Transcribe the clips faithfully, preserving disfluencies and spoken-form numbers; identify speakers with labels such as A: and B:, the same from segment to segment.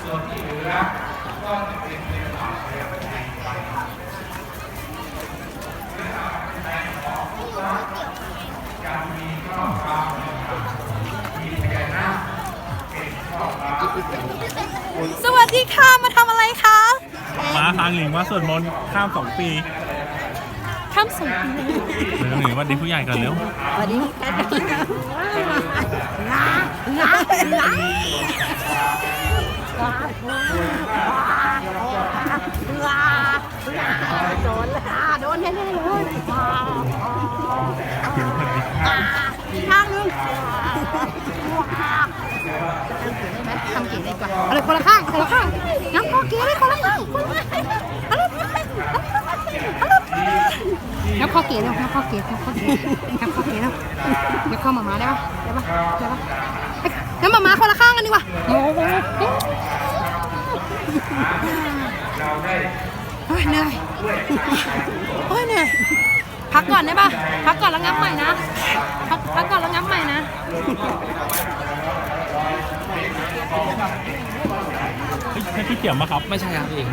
A: ส่วนที่เหลือก็จะเป็นเรื่องของเรื่องในไปในของวัดจะมีข้อความมีพญานาคเป็นข้อความ
B: สวัสดีค่ะ มาทำอะไรคะ
C: มาทางหลิงว่าสวดมนต์ข้ามสองปี
B: ข้ามสงกรานต์
C: เร็วหนิงวันดีผู้ใหญ่กันเร็ว
B: สวัสดีโดนละโดนแน่ๆเลยอีกข้างนึงทำเก๋ได้กว่าเอาเลยคนละข้างคนละข้างน้ำพอเก๋เลยคนละข้างคนละข้างเอาเลยเอาเลยน้ำพอเก๋แล้วน้ำพอเก๋น้ำพอเก๋น้ำพอเก๋แล้วน้ำเข้ามามาได้ปะได้ปะได้ปะน้ำมามาคนละข้างกันดีกว่าโอ้โหเหนื่อยโอ้ยเหนื่อยพักก่อนได้ปะพักก่อนแล้วงับใหม่นะพักพักก่อนแล้วงับใหม่นะ
C: ใช่พี่เกี่ยวมาครับ
D: ไม่ใช่ครับเอง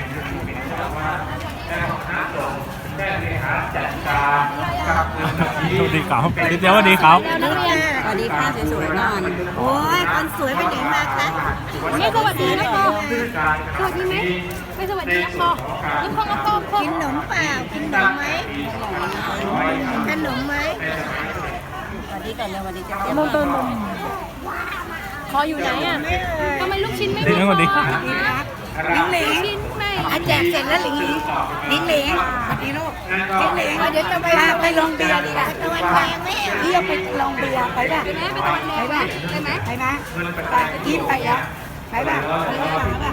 C: สวัสดีครับพี่เจ้าสวัสดีครับ
B: นักเรียน
E: สวัสดีค่ะสวยๆก่อนโอ้ยคนสวยไปไหนมาคะ
B: ไม่สวัสดีนะพ่อสวัสดีไหมไม่สวัสดีนะพ่อนี่พ่อกับพ่อพ่อ
E: กินขนมเปล่ากินขนมไหมขนมไหมสวัสดีกันเลยสวัสดีจ้า
B: ลงต้นลงคออยู่ไหนอ่ะทำไมลูกชิ้นไม่มี
C: สวัสดีครับ
E: ลิงเหล
B: ลูก
E: ง
B: ชิ้นไม่
E: อาแจกเสร็จแล้วลิงเหลงลิงเหลงสวัสดีลูกลิงเหลงเดี๋ยวจะไปไปลงเบียร์ดีกว่าตะวันแดงแม่พี่จะไปลงเบียร์ไปป่ะ
B: ไปไหมไปตะวันแดงไหมไปไหม
E: ไปนะไปยิ้มไปแล้วไปป่ะไปป่ะ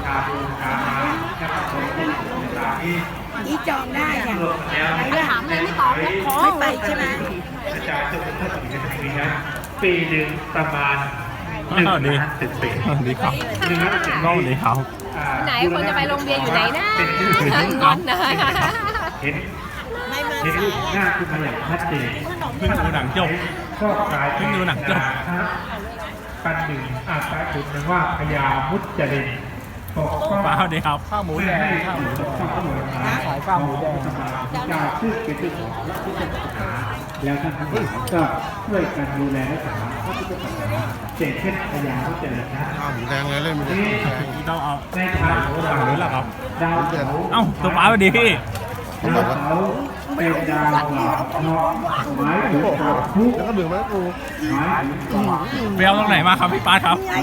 E: อีจองได้เนี่ยไปป่ะ
B: ถามเลยไม่ตอบแล้วขอ
E: ไม่ไปใช่ไหม
A: อาจารย์จะเป็นท่านอีกในปีนั้นปีหนึ่งประมาณหนึ่ง
C: สวัสดี
A: ล้านสิบปี
C: สวัสดีครับ
A: หนึ่งล้านสิบ
C: สวัสดีครับ
B: ไหนคนจะไปโรงเรียนอยู่ไหนนะงอนนะ
A: เห็นเห็นรูปหน้าขึ้นมาอย่างชัดเจน
C: เพิ่งดูหนังจบ
A: ก็กลาย
C: เพิ่งดูหนังจบ
A: ปันหนึ่งอาตาขุนว่าพญามุจจรินปกป้อง
C: ป้าสวัสดีครับข้าวหมูแดง
A: ข้าวหมูข้าวหมูขายข้าวหมูแดงจะชื่อเป็นที่ของและที่เป็นศาสนาแล้วท่านทั้งหลายก็ช่วยกันดูแลรักษาพระพุทธศาสนาเจ็ดเช่นพญามุจจรินนะ
F: ข้าวหมูแดงเลยเล่นไม่ได้
C: ต้องเอา
A: ในทางโบรา
C: ฝั่ง
A: ณ
C: นู้นแหละครับ
A: ดาวเสาร์
C: เอ้าตัวป้าสวัสดีพี่
A: ดาวเสาร์เป็นดาวหลอกนอกหมายถึงความทุกข์
F: แล้วก็ดื่มมาแล้วกู
A: หมายถึงความ
C: ไปเอาตรงไหนมาครับพี่ป้าครับ
A: หมาย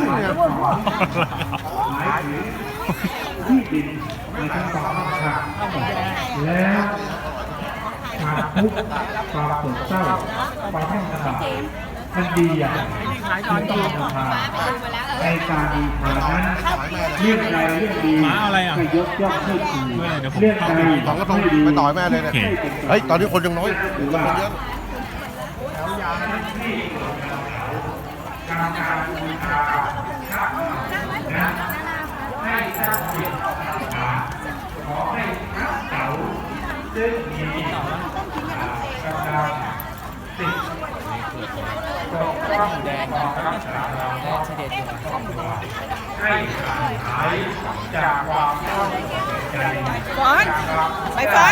A: ถึงที่ดินในทั้งสองข้างแล้วความทุกข์ความโศกเศร้าความแห้งกระด้างมันดีอย่างมันต้องบูชาในการบูชานั้นเรื่องใดเรื่องดี
C: หมาอะไรอ่ะ
A: ก็ยกย่องให้ดี
C: เดี๋ยวผม
A: เรื่องใด
F: สองกระทงไปต่อยแม่เลยเนี่ย เฮ้ย ตอนนี้คนยังน้อย
A: หรือ
F: ค
A: ว่าน
F: เยอะ
A: การการบูชานะให้สร้างจิตขอให้พระเต๋าซึ่งมีกำลังติดปกป้องแดงรักษาเราให้หายจากความเข้าใจ
E: ฟอนไปฟอน